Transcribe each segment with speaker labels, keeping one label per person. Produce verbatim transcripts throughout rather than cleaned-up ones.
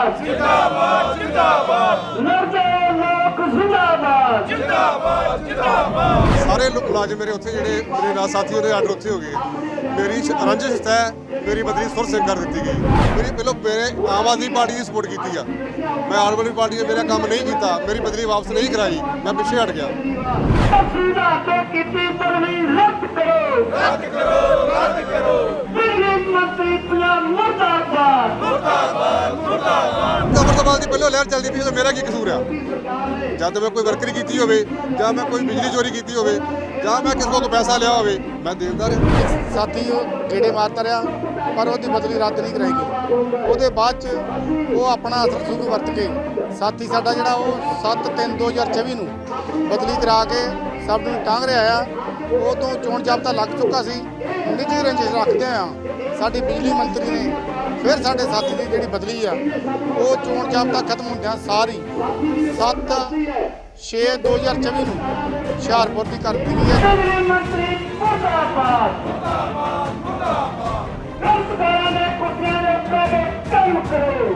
Speaker 1: जिंदाबाद जिंदाबाद जिंदाबाद लड़ते लोग जिंदाबाद जिंदाबाद जिंदाबाद।
Speaker 2: सारे लोग मुलाजिम मेरे उत्थे ਜਿਹੜੇ ਮੇਰੇ ਨਾਲ ਸਾਥੀ ਉਹਦੇ ਆਰਡਰ ਉੱਥੇ ਹੋ ਗਏ। ਮੇਰੀ ਰੰਜਿਸ਼ ਹੈ ਮੇਰੀ ਬਦਲੀ ਸੁਰ ਸਿੰਘ ਕਰ ਦਿੱਤੀ ਗਈ। ਮੇਰੀ ਪਹਿਲਾਂ ਮੇਰੇ ਆਮ ਆਦਮੀ ਪਾਰਟੀ ਦੀ ਸਪੋਰਟ ਕੀਤੀ ਆ। ਮੈਂ ਆਮ ਆਦਮੀ ਪਾਰਟੀ ਨੇ ਮੇਰਾ ਕੰਮ ਨਹੀਂ ਕੀਤਾ, ਮੇਰੀ ਬਦਲੀ ਵਾਪਸ ਨਹੀਂ ਕਰਾਈ, ਮੈਂ ਪਿੱਛੇ ਹਟ ਗਿਆ।
Speaker 1: ਤਸਵੀਰਾਂ ਤੋਂ ਕੀਤੀ ਬਦਲੀ ਰੱਦ ਕਰੋ ਰੱਦ ਕਰੋ ਰੱਦ ਕਰੋ। ਬਿਜਲੀ ਮੰਤਰੀ ਪੰਜਾਬ ਮੁਰਦਾਬਾਦ ਮੁਰਦਾਬਾਦ ਮੁਰਦਾਬਾਦ।
Speaker 2: ਅਮਰਤਪਾਲ ਦੀ ਪਹਿਲਾਂ ਲਹਿਰ ਚੱਲਦੀ ਪਈ, ਮੇਰਾ ਕੀ ਕਸੂਰ ਆ? ਜਦ ਮੈਂ ਕੋਈ ਵਰਕਰੀ ਕੀਤੀ ਹੋਵੇ ਜਾਂ ਮੈਂ ਕੋਈ ਬਿਜਲੀ ਚੋਰੀ ਕੀਤੀ ਹੋਵੇ ਜਾਂ ਮੈਂ ਕਿਸੇ ਕੋਲ ਪੈਸਾ ਲਿਆ ਹੋਵੇ, ਮੈਂ ਦੇਣਦਾਰ ਹਾਂ।
Speaker 3: ਸਾਥੀ ਉਹ ਗੇੜੇ ਮਾਰਦਾ ਰਿਹਾ ਪਰ ਉਹਦੀ ਬਦਲੀ ਰੱਦ ਨਹੀਂ ਕਰਾਈ ਗਈ। ਉਹਦੇ ਬਾਅਦ 'ਚ ਉਹ ਆਪਣਾ ਅਸਰ ਸੁਖ ਵਰਤ ਕੇ ਸਾਥੀ ਸਾਡਾ ਜਿਹੜਾ ਉਹ ਸੱਤ ਤਿੰਨ ਦੋ ਹਜ਼ਾਰ ਚੌਵੀ ਨੂੰ ਬਦਲੀ ਕਰਾ ਕੇ ਸਭ ਨੂੰ ਟਾਂਗ ਰਿਹਾ ਆ। ਉਹ ਤੋਂ ਚੋਣ ਜਾਬਤਾ ਲੱਗ ਚੁੱਕਾ ਸੀ। ਨਿੱਜੀ ਰੰਜਿਸ਼ ਰੱਖਦੇ ਆ ਸਾਡੀ ਬਿਜਲੀ ਮੰਤਰੀ ਨੇ ਫਿਰ ਸਾਡੇ ਸਾਥੀ ਦੀ ਜਿਹੜੀ ਬਦਲੀ ਆ ਉਹ ਚੋਣ ਜਾਬਤਾ ਖਤਮ ਹੁੰਦਿਆਂ ਸਾਰੀ ਸੱਤ ਛੇ ਦੋ ਹਜ਼ਾਰ ਚੌਵੀ ਨੂੰ ਹੁਸ਼ਿਆਰਪੁਰ ਦੀ ਕਰ ਦਿੱਤੀ ਗਈ ਹੈ।
Speaker 1: ਬਿਜਲੀ ਮੰਤਰੀ ਮੁਰਦਾਬਾਦ ਮੁਰਦਾਬਾਦ ਮੁਰਦਾਬਾਦ। ਕੰਮਕਾਰਾਂ ਦੇ ਕੁੱਤਿਆਂ ਦੇ ਉੱਤੇ ਕੰਮ ਕਰੋ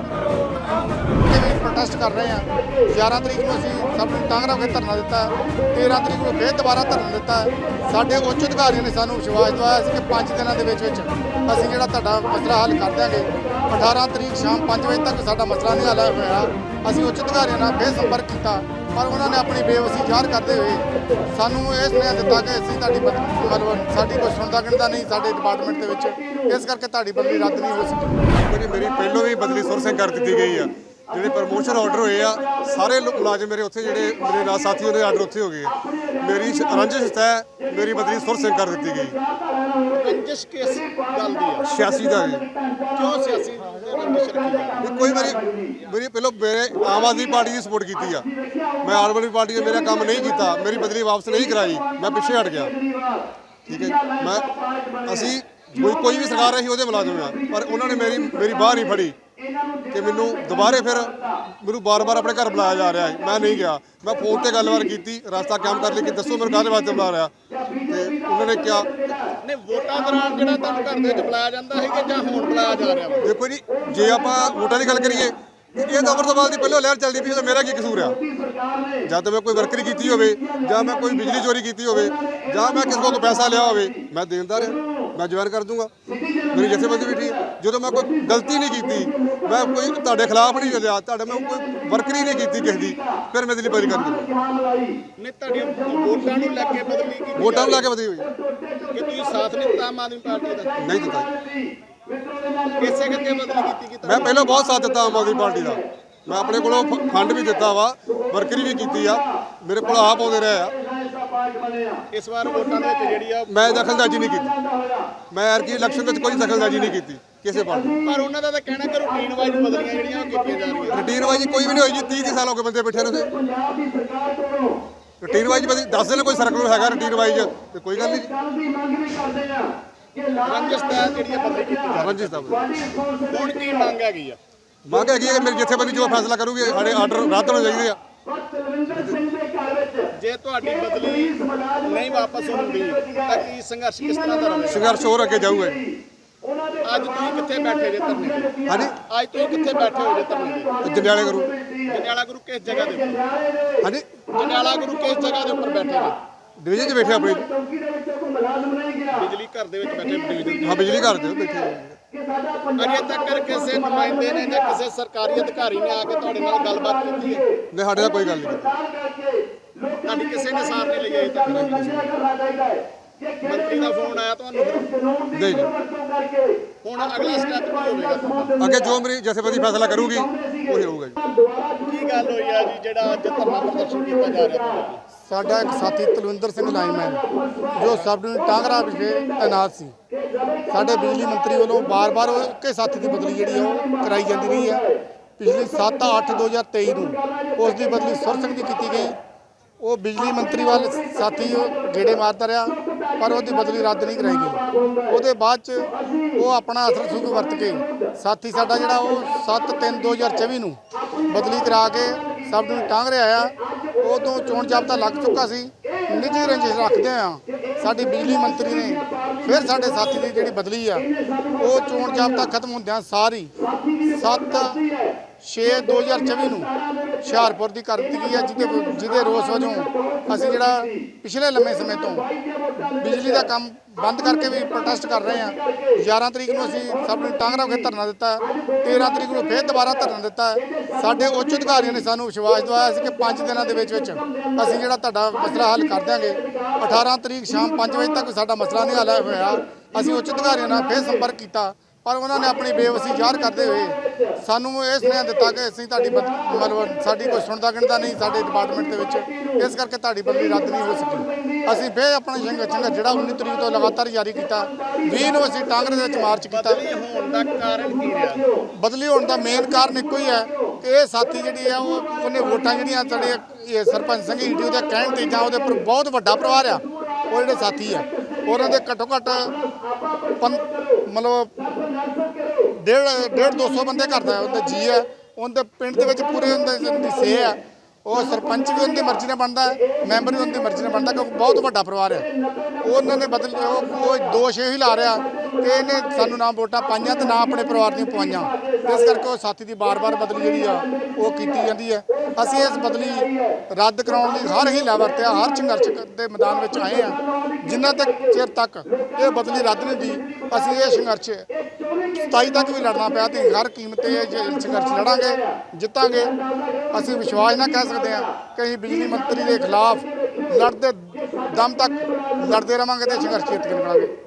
Speaker 3: ਪ੍ਰੋਟੈਸਟ ਕਰ ਰਹੇ ਹਾਂ। ਗਿਆਰਾਂ ਤਰੀਕ ਨੂੰ ਅਸੀਂ ਸਭ ਨੂੰ ਟਾਂਗਰਾ ਕੇ ਧਰਨਾ ਦਿੱਤਾ। ਤੇਰਾਂ ਤਰੀਕ ਨੂੰ ਫਿਰ ਦੁਬਾਰਾ ਧਰਨਾ ਦਿੱਤਾ। ਸਾਡੇ ਉੱਚ ਅਧਿਕਾਰੀਆਂ ਨੇ ਸਾਨੂੰ ਵਿਸ਼ਵਾਸ ਦਿਵਾਇਆ ਸੀ ਕਿ ਪੰਜ ਦਿਨਾਂ ਦੇ ਵਿੱਚ ਵਿੱਚ ਅਸੀਂ ਜਿਹੜਾ ਤੁਹਾਡਾ ਮਸਲਾ ਹੱਲ ਕਰ ਦਿਆਂਗੇ। ਅਠਾਰਾਂ ਤਰੀਕ ਸ਼ਾਮ ਪੰਜ ਵਜੇ ਤੱਕ ਸਾਡਾ ਮਸਲਾ ਨਹੀਂ ਹੱਲ ਹੋਇਆ। ਅਸੀਂ ਉੱਚ ਅਧਿਕਾਰੀਆਂ ਨਾਲ ਫਿਰ ਸੰਪਰਕ ਕੀਤਾ ਪਰ ਉਹਨਾਂ ਨੇ ਆਪਣੀ ਬੇਵਸੀ ਜ਼ਾਹਰ ਕਰਦੇ ਹੋਏ ਸਾਨੂੰ ਇਹ ਸੁਨੇਹਾ ਦਿੱਤਾ ਕਿ ਅਸੀਂ ਤੁਹਾਡੀ ਮਤਲਬ ਸਾਡੀ ਕੋਈ ਸੁਣਦਾ ਗਿਣਦਾ ਨਹੀਂ ਸਾਡੇ ਡਿਪਾਰਟਮੈਂਟ ਦੇ ਵਿੱਚ, ਇਸ ਕਰਕੇ ਤੁਹਾਡੀ ਬਦਲੀ ਰੱਦ ਨਹੀਂ ਹੋ ਸਕੀ।
Speaker 2: ਮੇਰੀ ਮੇਰੀ ਪਹਿਲੋਂ ਵੀ ਬਦਲੀ ਸੁਰ ਸਿੰਘ ਕਰ ਦਿੱਤੀ ਗਈ ਆ। ਜਿਹੜੇ ਪ੍ਰਮੋਸ਼ਨ ਆਰਡਰ ਹੋਏ ਆ ਸਾਰੇ ਲੋਕ ਮੁਲਾਜ਼ਮ ਮੇਰੇ ਉੱਥੇ ਜਿਹੜੇ ਮੇਰੇ ਨਾਲ ਸਾਥੀ ਉਹਦੇ ਆਰਡਰ ਉੱਥੇ ਹੋ ਗਏ। ਮੇਰੀ ਰੰਜਿਸ਼ ਹੈ ਮੇਰੀ ਬਦਲੀ ਸੁਰ ਸਿੰਘ ਕਰ ਦਿੱਤੀ ਗਈ।
Speaker 3: ਰੰਜਿਸ਼ ਕਿਸ ਗੱਲ ਦੀ ਆ?
Speaker 2: ਛਿਆਸੀ ਦਾ ਜੀ।
Speaker 3: ਕਿਉਂ ਸਿਆਸੀ ਰੰਜਿਸ਼ ਰੱਖੀ ਗਈ?
Speaker 2: ਵੀ ਕੋਈ ਮੇਰੀ ਮੇਰੀ ਪਹਿਲਾਂ ਮੇਰੇ ਆਮ ਆਦਮੀ ਪਾਰਟੀ ਦੀ ਸਪੋਰਟ ਕੀਤੀ ਆ। ਮੈਂ ਆਮ ਆਦਮੀ ਪਾਰਟੀ ਨੇ ਮੇਰਾ ਕੰਮ ਨਹੀਂ ਕੀਤਾ, ਮੇਰੀ ਬਦਲੀ ਵਾਪਸ ਨਹੀਂ ਕਰਾਈ, ਮੈਂ ਪਿੱਛੇ ਹਟ ਗਿਆ। ਠੀਕ ਹੈ ਜੀ। ਮੈਂ ਅਸੀਂ ਕੋਈ ਕੋਈ ਵੀ ਸਰਕਾਰ ਰਹੀ ਉਹਦੇ ਮੁਲਾਜ਼ਮ ਆ ਪਰ ਉਹਨਾਂ ਨੇ ਮੇਰੀ ਮੇਰੀ ਬਾਹ ਨਹੀਂ ਫੜੀ ਕਿ ਮੈਨੂੰ ਦੁਬਾਰੇ ਫਿਰ ਮੈਨੂੰ ਬਾਰ-ਬਾਰ ਆਪਣੇ ਘਰ ਬੁਲਾਇਆ ਜਾ ਰਿਹਾ ਹੈ। ਮੈਂ ਨਹੀਂ ਗਿਆ। ਮੈਂ ਫੋਨ ਤੇ ਗੱਲਬਾਤ ਕੀਤੀ, ਰਸਤਾ ਕਾਇਮ ਕਰ ਲਈ ਕਿ ਦੱਸੋ ਮੈਨੂੰ ਕਾਹਦੇ ਵਾਸਤੇ ਬੁਲਾ ਰਿਹਾ ਤੇ ਉਹਨਾਂ ਨੇ ਕਿਹਾ
Speaker 3: ਨੇ ਵੋਟਾਂ ਦੌਰਾਨ ਜਿਹੜਾ ਤੁਹਾਨੂੰ ਘਰ ਦੇ ਵਿੱਚ ਬੁਲਾਇਆ ਜਾਂਦਾ ਹੈ ਕਿ ਜਾਂ ਹੁਣ ਬੁਲਾਇਆ ਜਾ ਰਿਹਾ ਵਾ?
Speaker 2: ਦੇਖੋ ਜੀ, ਜੇ ਆਪਾਂ ਵੋਟਾਂ ਦੀ ਗੱਲ ਕਰੀਏ ਇਹ ਤਾਂ ਅਮਰਤਪਾਲ ਦੀ ਪਹਿਲਾਂ ਲਹਿਰ ਚੱਲਦੀ ਪਈ, ਮੇਰਾ ਕੀ ਕਸੂਰ ਆ? ਜਦ ਮੈਂ ਕੋਈ ਵਰਕਰੀ ਕੀਤੀ ਹੋਵੇ ਜਾਂ ਮੈਂ ਕੋਈ ਬਿਜਲੀ ਚੋਰੀ ਕੀਤੀ ਹੋਵੇ ਜਾਂ ਮੈਂ ਕਿਸੇ ਕੋਲ ਪੈਸਾ ਲਿਆ ਹੋਵੇ, ਮੈਂ ਦੇਣਦਾਰ ਹਾਂ, ਮੈਂ ਜਵਾਨ ਕਰ ਦੂੰਗਾ। ਮੇਰੀ ਜਥੇਬੰਦੀ ਵੀ ਠੀਕ ਹੈ। ਜਦੋਂ ਮੈਂ ਕੋਈ ਗਲਤੀ ਨਹੀਂ ਕੀਤੀ, ਮੈਂ ਕੋਈ ਤੁਹਾਡੇ ਖਿਲਾਫ ਨਹੀਂ ਚੱਲਿਆ, ਤੁਹਾਡੇ ਮੈਂ ਕੋਈ ਵਰਕਰੀ ਨਹੀਂ ਕੀਤੀ ਕਿਸੇ ਦੀ, ਫਿਰ ਮੈਂ ਦਿੱਲੀ ਬਦਲੀ ਕਰ ਦਿੱਤੀ।
Speaker 3: ਨੇ ਤੁਹਾਡੀਆਂ ਵੋਟਾਂ ਨੂੰ ਲੈ ਕੇ ਬਦਲੀ ਕੀਤੀ?
Speaker 2: ਵੋਟਾਂ ਨੂੰ ਲੈ ਕੇ ਬਦਲੀ ਹੋਈ
Speaker 3: ਕਿ ਤੁਸੀਂ ਸਾਥ ਨਹੀਂ ਦਿੱਤਾ ਆਮ ਆਦਮੀ ਪਾਰਟੀ ਦਾ?
Speaker 2: ਨਹੀਂ ਦਿੱਤਾ।
Speaker 3: ਇਸੇ ਕਰਕੇ ਬਦਲੀ ਕੀਤੀ ਕਿ
Speaker 2: ਮੈਂ ਪਹਿਲਾਂ ਬਹੁਤ ਸਾਥ ਦਿੱਤਾ ਆਮ ਆਦਮੀ ਪਾਰਟੀ ਦਾ। ਮੈਂ ਆਪਣੇ ਕੋਲੋਂ ਫੰਡ ਵੀ ਦਿੱਤਾ ਵਾ, ਵਰਕਰੀ ਵੀ ਕੀਤੀ ਆ, ਮੇਰੇ ਕੋਲ ਆਪ ਆਉਂਦੇ ਰਹੇ ਆ।
Speaker 3: ਇਸ ਵਾਰ ਵੋਟਾਂ ਦੇ ਵਿੱਚ ਜਿਹੜੀ ਆ
Speaker 2: ਮੈਂ ਦਖਲਅੰਦਾਜ਼ੀ ਨਹੀਂ ਕੀਤੀ। ਮੈਂ ਐਰ ਕੀ ਇਲੈਕਸ਼ਨ ਵਿੱਚ ਕੋਈ ਦਖਲਅੰਦਾਜ਼ੀ ਨਹੀਂ ਕੀਤੀ ਕਿਸੇ ਪਾਰਟੀ।
Speaker 3: ਪਰ ਉਹਨਾਂ ਦਾ ਤਾਂ ਕਹਿਣਾ ਕਿ ਰੂਟੀਨ ਵਾਈਜ਼ ਬਦਲੀਆਂ ਜਿਹੜੀਆਂ ਉਹ ਕੀਤੀਆਂ ਜਾ ਰਹੀਆਂ।
Speaker 2: ਰੂਟੀਨ ਵਾਈਜ਼ ਕੋਈ ਵੀ ਨਹੀਂ ਹੋਈ ਜੀ। ਤੀਹ ਤੀਹ ਸਾਲ ਹੋ ਗਏ ਬੰਦੇ ਬੈਠੇ ਨੇ। ਰੂਟੀਨ ਵਾਈਜ਼ ਬਦੀ ਦੱਸ ਦੇਣ ਕੋਈ ਸਰਕਲ ਹੈਗਾ ਰੂਟੀਨ ਵਾਈਜ਼ ਤੇ ਕੋਈ ਗੱਲ ਨਹੀਂ।
Speaker 3: ਰੰਜਿਸ਼ ਦਾ ਜਿਹੜੀ ਆ ਬਦਲੀ ਕੀਤੀ ਜਾ ਰਹੀ।
Speaker 2: ਰੰਜਿਸ਼ ਦਾ
Speaker 3: ਹੁਣ ਕੀ ਮੰਗ ਹੈਗੀ ਆ?
Speaker 2: ਮੰਗ ਹੈਗੀ ਹੈ ਕਿ ਮੇਰੀ ਜਥੇਬੰਦੀ ਜੋ ਫੈਸਲਾ ਕਰੂਗੀ ਸਾਡੇ ਆਰਡਰ ਰੱਦ ਹੋਣੇ ਚਾਹੀਦੇ ਆ।
Speaker 3: ਜੇ ਤੁਹਾਡੀ ਬਦਲੀ ਨਹੀਂ ਵਾਪਸ ਹੁੰਦੀ ਤਾਂ ਕੀ ਸੰਘਰਸ਼ ਕਿਸ ਤਰ੍ਹਾਂ ਦਾ ਰਹੇਗਾ?
Speaker 2: ਸੰਘਰਸ਼ ਹੋਰ ਅੱਗੇ ਜਾਊਗਾ।
Speaker 3: ਅੱਜ ਤੁਸੀਂ ਕਿੱਥੇ ਬੈਠੇ ਜੇ ਧਰਨੇ ਤੇ?
Speaker 2: ਹਾਂਜੀ,
Speaker 3: ਅੱਜ ਤੁਸੀਂ ਕਿੱਥੇ ਬੈਠੇ ਹੋ ਜੇ ਧਰਨੇ ਤੇ?
Speaker 2: ਜੰਡਿਆਲੇ ਕਰੂ।
Speaker 3: ਜੰਡਿਆਲਾ ਗੁਰੂ ਕਿਸ ਜਗ੍ਹਾ ਦੇ ਉੱਪਰ?
Speaker 2: ਹਾਂਜੀ,
Speaker 3: ਜੰਡਿਆਲਾ ਗੁਰੂ ਕਿਸ ਜਗ੍ਹਾ ਦੇ ਉੱਪਰ ਬੈਠੇ ਨੇ?
Speaker 2: ਡਿਵੀਜ਼ਨ 'ਚ ਬੈਠੇ ਆਪਣੀ।
Speaker 3: ਬਿਜਲੀ ਘਰ ਦੇ ਵਿੱਚ ਬੈਠੇ ਡਿਵੀਜ਼ਨ।
Speaker 2: ਹਾਂ, ਬਿਜਲੀ ਘਰ ਦੇ ਬੈਠੇ।
Speaker 3: ਅਜੇ ਤੱਕ ਕਿਸੇ ਨੁਮਾਇੰਦੇ ਨੇ ਜਾਂ ਕਿਸੇ ਸਰਕਾਰੀ ਅਧਿਕਾਰੀ ਨੇ ਆ ਕੇ ਤੁਹਾਡੇ ਨਾਲ ਗੱਲਬਾਤ ਕੀਤੀ ਹੈ?
Speaker 2: ਨਹੀਂ, ਸਾਡੇ ਨਾਲ ਕੋਈ ਗੱਲ ਨਹੀਂ ਕੀਤੀ।
Speaker 3: ਤੁਹਾਡੀ ਕਿਸੇ ਨੇ ਸਾਰ ਨਹੀਂ ਲਈ ਅਜੇ ਤੱਕ? ਮੰਤਰੀ ਦਾ ਫੋਨ ਆਇਆ ਤੁਹਾਨੂੰ?
Speaker 2: ਨਹੀਂ ਜੀ।
Speaker 3: ਹੁਣ ਅਗਲਾ ਸਟੈਪ ਕੀ ਹੋਵੇਗਾ ਤੁਹਾਡਾ?
Speaker 2: ਅੱਗੇ ਜੋ ਮੇਰੀ ਜਥੇਬੰਦੀ ਫੈਸਲਾ ਕਰੂਗੀ ਉਹੀ ਹੋਊਗਾ ਜੀ।
Speaker 3: ਕੀ ਗੱਲ ਹੋਈ ਆ ਜੀ ਜਿਹੜਾ ਅੱਜ ਧਰਨਾ ਪ੍ਰਦਰਸ਼ਨ ਕੀਤਾ ਜਾ ਰਿਹਾ? ਸਾਡਾ ਇੱਕ ਸਾਥੀ ਤਲਵਿੰਦਰ ਸਿੰਘ ਲਾਈਨਮੈਨ ਜੋ ਸਬ ਡਿਵੀਜ਼ਨ ਟਾਂਗਰਾ ਵਿਖੇ ਤੈਨਾਤ ਸੀ, ਸਾਡੇ ਬਿਜਲੀ ਮੰਤਰੀ ਵੱਲੋਂ ਬਾਰ-ਬਾਰ ਇੱਕੇ ਸਾਥੀ ਦੀ ਬਦਲੀ ਜਿਹੜੀ ਉਹ ਕਰਾਈ ਜਾਂਦੀ ਰਹੀ ਹੈ। ਪਿਛਲੀ ਸੱਤ ਅੱਠ ਦੋ ਹਜ਼ਾਰ ਤੇਈ ਨੂੰ ਉਸ ਦੀ ਬਦਲੀ ਸੁਰ ਸਿੰਘ ਦੀ ਕੀਤੀ ਗਈ। ਉਹ ਬਿਜਲੀ ਮੰਤਰੀ ਵੱਲ ਸਾਥੀ ਗੇੜੇ ਮਾਰਦਾ ਰਿਹਾ ਪਰ ਉਹਦੀ ਬਦਲੀ ਰੱਦ ਨਹੀਂ ਕਰਾਈ ਗਈ। ਉਹਦੇ ਬਾਅਦ 'ਚ ਉਹ ਆਪਣਾ ਅਸਰ ਸੁਖ ਵਰਤ ਕੇ ਸਾਥੀ ਸਾਡਾ ਜਿਹੜਾ ਉਹ ਸੱਤ ਤਿੰਨ ਦੋ ਹਜ਼ਾਰ ਚੌਵੀ ਨੂੰ ਬਦਲੀ ਕਰਾ ਕੇ ਸਭ ਨੂੰ ਟਾਂਗ ਰਿਹਾ ਆ। ਉਹ ਤੋਂ ਚੋਣ ਜਾਬਤਾ ਲੱਗ ਚੁੱਕਾ ਸੀ। ਨਿੱਜੀ ਰੰਜਿਸ਼ ਰੱਖਦੇ ਆ ਸਾਡੀ ਬਿਜਲੀ ਮੰਤਰੀ ਨੇ ਫਿਰ ਸਾਡੇ ਸਾਥੀ ਦੀ ਜਿਹੜੀ ਬਦਲੀ ਆ ਉਹ ਚੋਣ ਜਾਬਤਾ ਖਤਮ ਹੁੰਦਿਆਂ ਸਾਰੀ ਸੱਤ ਛੇ ਦੋ ਹਜ਼ਾਰ ਚੌਵੀ ਨੂੰ ਹੁਸ਼ਿਆਰਪੁਰ ਦੀ ਕਰ ਦਿੱਤੀ ਗਈ ਹੈ, ਜਿਹਦੇ ਜਿਹਦੇ ਰੋਸ ਵਜੋਂ ਅਸੀਂ ਜਿਹੜਾ ਪਿਛਲੇ ਲੰਮੇ ਸਮੇਂ ਤੋਂ ਬਿਜਲੀ ਦਾ ਕੰਮ ਬੰਦ ਕਰਕੇ ਵੀ ਪ੍ਰੋਟੈਸਟ ਕਰ ਰਹੇ ਹਾਂ। ਗਿਆਰਾਂ ਤਰੀਕ ਨੂੰ ਅਸੀਂ ਸਭ ਨੂੰ ਟਾਂਗਰਾ ਵਿਖੇ ਧਰਨਾ ਦਿੱਤਾ, ਤੇਰਾਂ ਤਰੀਕ ਨੂੰ ਫਿਰ ਦੁਬਾਰਾ ਧਰਨਾ ਦਿੱਤਾ। ਸਾਡੇ ਉੱਚ ਅਧਿਕਾਰੀਆਂ ਨੇ ਸਾਨੂੰ ਵਿਸ਼ਵਾਸ ਦਿਵਾਇਆ ਸੀ ਕਿ ਪੰਜ ਦਿਨਾਂ ਦੇ ਵਿੱਚ ਵਿੱਚ ਅਸੀਂ ਜਿਹੜਾ ਤੁਹਾਡਾ ਮਸਲਾ ਹੱਲ ਕਰ ਦਿਆਂਗੇ। ਅਠਾਰਾਂ ਤਰੀਕ ਸ਼ਾਮ ਪੰਜ ਵਜੇ ਤੱਕ ਸਾਡਾ ਮਸਲਾ ਨਹੀਂ ਹੱਲ ਹੋਇਆ। ਅਸੀਂ ਉੱਚ ਅਧਿਕਾਰੀਆਂ ਨਾਲ ਫਿਰ ਸੰਪਰਕ ਕੀਤਾ, ਪਰ ਉਹਨਾਂ ਨੇ ਆਪਣੀ ਬੇਵਸੀ ਜ਼ਾਹਰ ਕਰਦੇ ਹੋਏ ਸਾਨੂੰ ਇਹ ਸੁਨੇਹਾ ਦਿੱਤਾ ਕਿ ਅਸੀਂ ਤੁਹਾਡੀ ਬਦ- ਮਤਲਬ ਸਾਡੀ ਕੋਈ ਸੁਣਦਾ ਗਿਣਦਾ ਨਹੀਂ ਸਾਡੇ ਡਿਪਾਰਟਮੈਂਟ ਦੇ ਵਿੱਚ, ਇਸ ਕਰਕੇ ਤੁਹਾਡੀ ਬਦਲੀ ਰੱਦ ਨਹੀਂ ਹੋ ਸਕੀ। ਅਸੀਂ ਫਿਰ ਆਪਣਾ ਸੰਘਰਸ਼ ਸੰਘਰਸ਼ ਜਿਹੜਾ ਉੱਨੀ ਤਰੀਕ ਤੋਂ ਲਗਾਤਾਰ ਜਾਰੀ ਕੀਤਾ। ਵੀਹ ਨੂੰ ਅਸੀਂ ਟਾਂਗਰੇ ਦੇ ਵਿੱਚ ਮਾਰਚ ਕੀਤਾ।
Speaker 4: ਹੋਣ ਦਾ ਕਾਰਨ ਕੀ ਰਿਹਾ?
Speaker 3: ਬਦਲੀ ਹੋਣ ਦਾ ਮੇਨ ਕਾਰਨ ਇੱਕੋ ਹੀ ਹੈ ਕਿ ਇਹ ਸਾਥੀ ਜਿਹੜੀ ਆ ਉਹ ਉਹਨੇ ਵੋਟਾਂ ਜਿਹੜੀਆਂ ਸਾਡੇ ਇਹ ਸਰਪੰਚ ਸਿੰਘ ਈਟੂ ਦੇ ਕਹਿਣ ਤੇ ਜਾਂ ਉਹਦੇ ਉੱਪਰ ਬਹੁਤ ਵੱਡਾ ਪਰਿਵਾਰ ਆ, ਉਹ ਜਿਹੜੇ ਸਾਥੀ ਆ ਉਹਨਾਂ ਦੇ ਘੱਟੋ ਘੱਟ ਪੰ ਮਤਲਬ ਡੇਢ ਡੇਢ ਦੋ ਸੌ ਬੰਦੇ ਕਰਦਾ ਉਹਦੇ ਜੀ ਹੈ। ਉਹਦੇ ਪਿੰਡ ਦੇ ਵਿੱਚ ਪੂਰੇ ਉਹਦੇ ਦੀ ਸੇ ਆ। ਉਹ ਸਰਪੰਚ ਵੀ ਉਹਦੀ ਮਰਜ਼ੀ ਨਾਲ ਬਣਦਾ ਹੈ, ਮੈਂਬਰ ਵੀ ਉਹਦੀ ਮਰਜ਼ੀ ਨਾਲ ਬਣਦਾ, ਕਿਉਂਕਿ ਬਹੁਤ ਵੱਡਾ ਪਰਿਵਾਰ ਹੈ। ਉਹਨਾਂ ਨੇ ਬਦਲ ਉਹ ਉਹ ਦੋਸ਼ ਇਹੀ ਲਾ ਰਿਹਾ ਕਿ ਇਹਨੇ ਸਾਨੂੰ ਨਾ ਵੋਟਾਂ ਪਾਈਆਂ ਤੇ ਨਾ ਆਪਣੇ ਪਰਿਵਾਰ ਦੀਆਂ ਪਵਾਈਆਂ, ਇਸ ਕਰਕੇ ਉਹ ਸਾਥੀ ਦੀ ਬਾਰ-ਬਾਰ ਬਦਲੀ ਜਿਹੜੀ ਆ ਉਹ ਕੀਤੀ ਜਾਂਦੀ ਹੈ। ਅਸੀਂ ਇਸ ਬਦਲੀ ਰੱਦ ਕਰਾਉਣ ਲਈ ਹਰ ਹੀਲਾ ਵਰਤਿਆ, ਹਰ ਸੰਘਰਸ਼ ਦੇ ਮੈਦਾਨ ਵਿੱਚ ਆਏ ਹਾਂ। ਜਿੰਨਾ ਤੱਕ ਚਿਰ ਤੱਕ ਇਹ ਬਦਲੀ ਰੱਦ ਨਹੀਂ ਹੁੰਦੀ, ਅਸੀਂ ਇਹ ਸੰਘਰਸ਼ ਸਤਾਈ ਤੱਕ ਵੀ ਲੜਨਾ ਪਿਆ ਤੇ ਹਰ ਕੀਮਤ ਤੇ ਇਹ ਸੰਘਰਸ਼ ਲੜਾਂਗੇ, ਜਿੱਤਾਂਗੇ। ਅਸੀਂ ਵਿਸ਼ਵਾਸ ਨਾ ਕਹਿ ਸਕਦੇ ਹਾਂ ਕਿ ਅਸੀਂ ਬਿਜਲੀ ਮੰਤਰੀ ਦੇ ਖਿਲਾਫ ਲੜਦੇ ਦਮ ਤੱਕ ਲੜਦੇ ਰਵਾਂਗੇ ਤੇ ਸੰਘਰਸ਼ ਜਿੱਤ ਕੇ ਨਿਕਲਾਂਗੇ।